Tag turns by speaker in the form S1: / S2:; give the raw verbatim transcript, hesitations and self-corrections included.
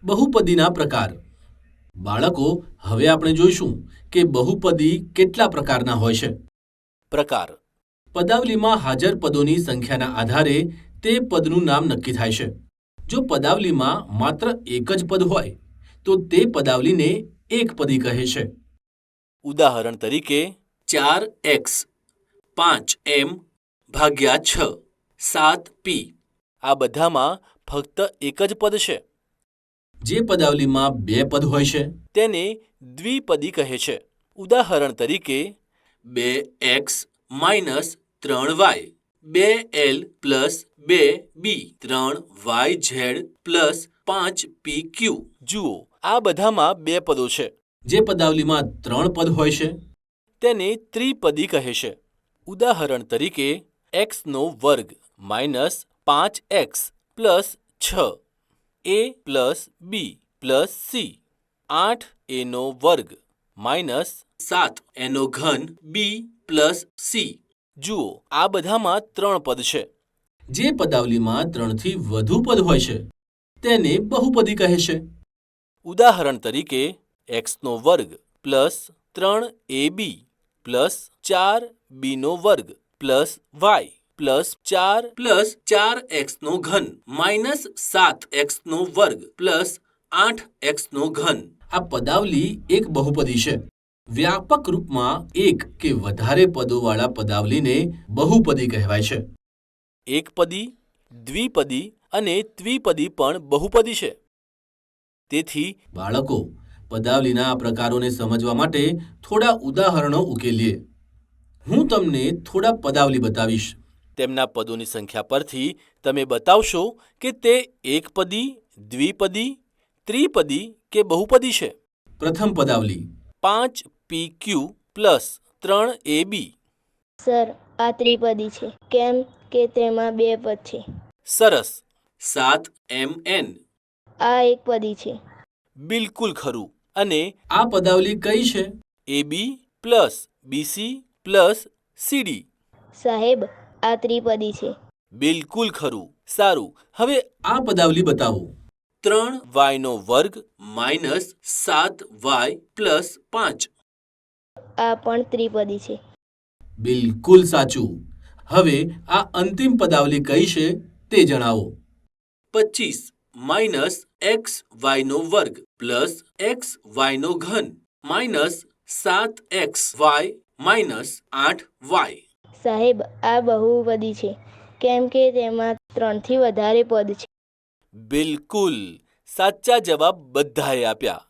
S1: બહુપદીના પ્રકાર. બાળકો, હવે આપણે જોઈશું કે બહુપદી કેટલા પ્રકારના હોય છે. પ્રકાર. પદાવલીમાં હાજર પદોની સંખ્યાના આધારે તે પદનું નામ નક્કી થાય છે. જો પદાવલીમાં માત્ર એક જ પદ હોય તો તે પદાવલીને એકપદી કહે છે. ઉદાહરણ તરીકે ચાર એક્સ, પાંચ એમ ભાગ્યા છ, સાત પી. આ બધામાં ફક્ત એક જ પદ છે. જે પદાવલીમાં બે પદ હોય છે તેને દ્વિપદી કહે છે. ઉદાહરણ તરીકે બે એક્સ માઇનસ ત્રણ વાય, બે એલ પ્લસ બે બી, ત્રણ વાય ઝેડ પ્લસ પાંચ પી ક્યુ. જુઓ, આ બધામાં બે પદો છે. જે પદાવલીમાં ત્રણ પદ હોય છે તેને ત્રિપદી કહે છે. ઉદાહરણ તરીકે એક્સનો વર્ગ માઇનસ પાંચ એક્સ પ્લસ છ, A plus B plus C, આઠ એનો વર્ગ માઇનસ સાત એનો ઘન બી પ્લસ સી. જુઓ, આ બધામાં ત્રણ પદ છે. જે પદાવલીમાં ત્રણથી વધુ પદ હોય છે તેને બહુપદી કહે છે. ઉદાહરણ તરીકે એક્સનો વર્ગ પ્લસ ત્રણ એ બી પ્લસ ચાર બીનો વર્ગ પ્લસ વાય પ્લસ ચાર પ્લસ ચાર એક્સનો ઘન માઇનસ સાત એક્સનો વર્ગ પ્લસ આઠ એક્સનો ઘન. આ પદાવલી એક બહુપદી છે. વ્યાપક રૂપમાં એક કે વધારે પદોવાળા પદાવલીને બહુપદી કહેવાય છે. એકપદી, દ્વિપદી અને ત્રિપદી પણ બહુપદી છે. તેથી બાળકો, પદાવલીના આ પ્રકારોને સમજવા માટે થોડા ઉદાહરણો ઉકેલીએ. હું તમને થોડા પદાવલી બતાવીશ. તેમના પદોની સંખ્યા પરથી તમે બતાવશો કે તે એકપદી, દ્વિપદી, ત્રિપદી કે બહુપદી છે. પ્રથમ પદાવલી પાંચ પી ક્યુ પ્લસ ત્રણ એ બી.
S2: સર, આ ત્રિપદી છે કેમ કે તેમાં બે પદ છે.
S1: સરસ. સાત એમ એન.
S2: આ એકપદી છે.
S1: બિલકુલ ખરું. અને આ પદાવલી કઈ છે? A B plus BC plus CD.
S2: સાહેબ, આ ત્રિપદી છે.
S1: બિલકુલ ખરું. સારું, હવે આ પદાવલી બતાવો. ત્રણ વાયનો વર્ગ માઇનસ સાત વાય પ્લસ પાંચ.
S2: આ પણ ત્રિપદી છે.
S1: બિલકુલ સાચું. હવે આ અંતિમ પદાવલી કઈ છે તે જણાવો. પચીસ માઇનસ એક્સ વાયનો વર્ગ પ્લસ એક્સ વાયનો ઘન માઇનસ સાત એક્સ વાય માઇનસ આઠ વાય.
S2: સાહેબ, આ બહુપદી છે કેમ કે તેમાં ત્રણથી વધારે પદ છે.
S1: બિલકુલ. સાચા જવાબ બધાએ આપ્યા.